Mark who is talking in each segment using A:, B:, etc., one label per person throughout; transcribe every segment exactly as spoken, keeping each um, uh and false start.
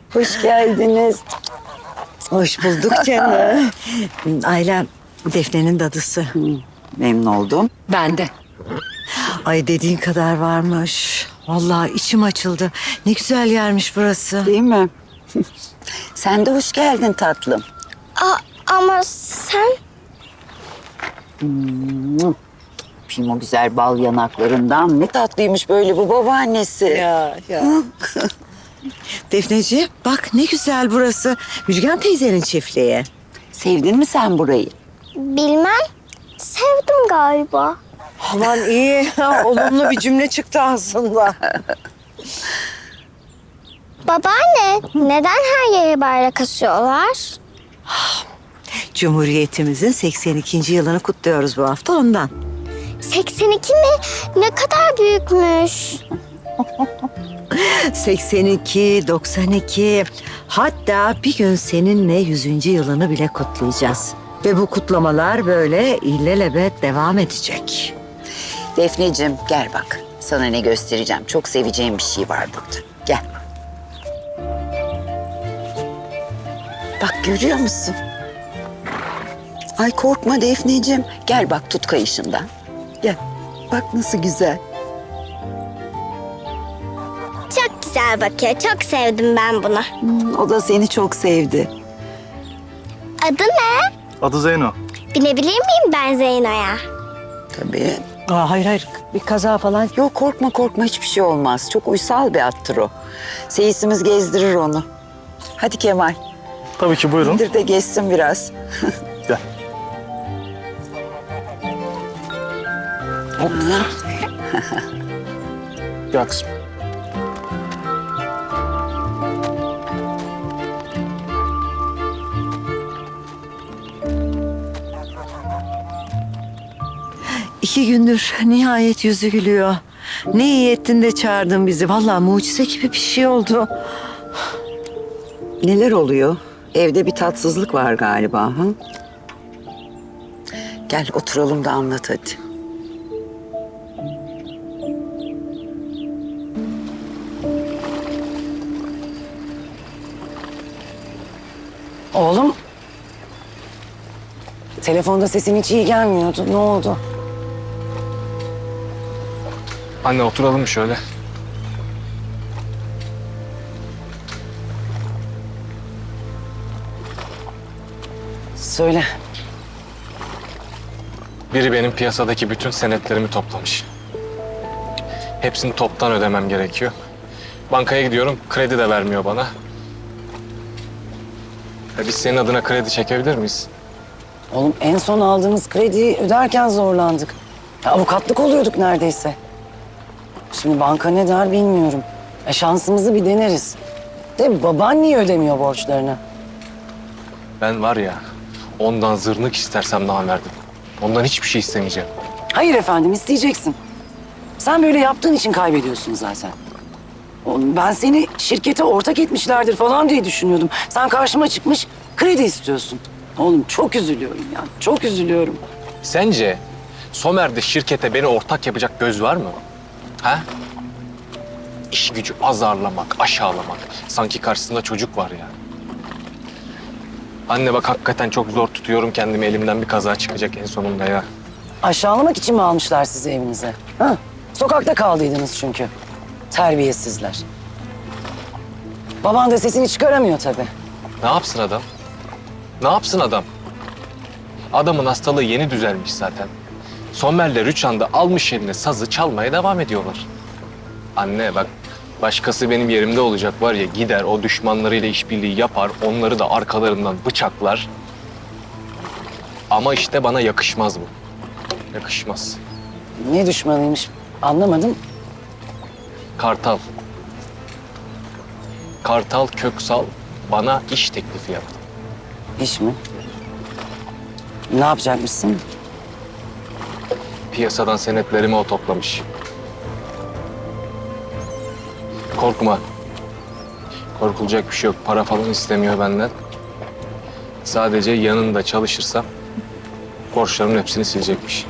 A: Hoş geldiniz.
B: Hoş bulduk canım. Ailem Defne'nin dadısı.
A: Memnun oldum.
C: Ben de.
B: Ay dediğin kadar varmış. Vallahi içim açıldı. Ne güzel yermiş burası.
A: Değil mi? Sen de hoş geldin tatlım.
D: A ama sen...
A: Film o güzel bal yanaklarından. Ne tatlıymış böyle bu babaannesi.
B: Ya ya. Defneciğim bak ne güzel burası. Müjgan teyzenin çiftliği.
A: Sevdin mi sen burayı?
D: Bilmem. Sevdim galiba.
B: Aman iyi. Olumlu bir cümle çıktı aslında.
D: Babaanne, neden her yere bayrak asıyorlar?
B: Cumhuriyetimizin seksen ikinci yılını kutluyoruz bu hafta ondan.
D: seksen iki mi? Ne kadar büyükmüş.
B: seksen iki, doksan iki, hatta bir gün seninle yüzüncü yılını bile kutlayacağız. Ve bu kutlamalar böyle illelebet devam edecek.
A: Defneciğim gel bak. Sana ne göstereceğim. Çok seveceğim bir şey var burada. Gel. Bak görüyor musun? Ay korkma Defneciğim. Gel bak tut kayışından. Gel. Bak nasıl güzel.
D: Çok güzel bakıyor. Çok sevdim ben bunu.
A: Hmm, o da seni çok sevdi.
D: Adı ne?
E: Adı Zeyno.
D: Binebilir miyim ben Zeyno'ya?
A: Tabii.
B: Aa, hayır hayır bir kaza falan.
A: Yok korkma korkma hiçbir şey olmaz. Çok uysal bir attır o. Seyisimiz gezdirir onu. Hadi Kemal.
E: Tabii ki buyurun.
A: İndir de gezsin biraz.
E: Gel. Hop. Gel kızım.
B: İki gündür nihayet yüzü gülüyor. Ne iyi ettin de çağırdın bizi. Vallahi mucize gibi bir şey oldu.
A: Neler oluyor? Evde bir tatsızlık var galiba. Ha? Gel oturalım da anlat hadi.
F: Oğlum. Telefonda sesin hiç iyi gelmiyordu. Ne oldu?
E: Anne oturalım şöyle.
F: Söyle.
E: Biri benim piyasadaki bütün senetlerimi toplamış. Hepsini toptan ödemem gerekiyor. Bankaya gidiyorum, kredi de vermiyor bana. Ya biz senin adına kredi çekebilir miyiz?
F: Oğlum en son aldığımız krediyi öderken zorlandık. Ya, avukatlık oluyorduk neredeyse. Şimdi banka ne der bilmiyorum. E, şansımızı bir deneriz. De baban niye ödemiyor borçlarını?
E: Ben var ya, ondan zırnık istersem namerdim. Ondan hiçbir şey istemeyeceğim.
F: Hayır efendim isteyeceksin. Sen böyle yaptığın için kaybediyorsun zaten. Oğlum ben seni şirkete ortak etmişlerdir falan diye düşünüyordum. Sen karşıma çıkmış kredi istiyorsun. Oğlum çok üzülüyorum ya. Çok üzülüyorum.
E: Sence Somer'de şirkete beni ortak yapacak göz var mı? Ha? İş gücü azarlamak, aşağılamak. Sanki karşısında çocuk var ya. Anne bak hakikaten çok zor tutuyorum kendimi. Elimden bir kaza çıkacak en sonunda ya.
F: Aşağılamak için mi almışlar sizi evinize? Ha? Sokakta kaldıydınız çünkü. Terbiyesizler. Baban da sesini çıkaramıyor tabii.
E: Ne yapsın adam? Ne yapsın adam? Adamın hastalığı yeni düzelmiş zaten. Somer'le Rüçhan da almış eline sazı çalmaya devam ediyorlar. Anne bak başkası benim yerimde olacak var ya gider o düşmanlarıyla işbirliği yapar. Onları da arkalarından bıçaklar. Ama işte bana yakışmaz bu. Yakışmaz.
F: Ne düşmanıymış anlamadım.
E: Kartal. Kartal Köksal bana iş teklifi yaptı.
F: İş mi? Ne yapacakmışsın?
E: Piyasadan senetlerimi o toplamış. Korkma. Korkulacak bir şey yok. Para falan istemiyor benden. Sadece yanında çalışırsam borçlarımın hepsini silecekmiş.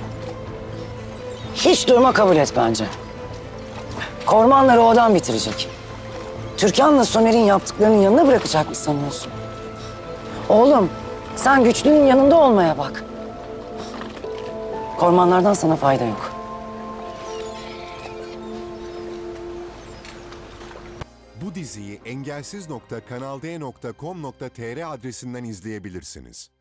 F: Hiç durma kabul et bence. Kormanları o adam bitirecek. Türkan'la Somer'in yaptıklarının yanına bırakacak mı sanıyorsun? Oğlum, sen güçlünün yanında olmaya bak. Kormanlardan sana fayda yok.
C: Bu diziyi engelsiz nokta kanalde nokta com nokta tr adresinden izleyebilirsiniz.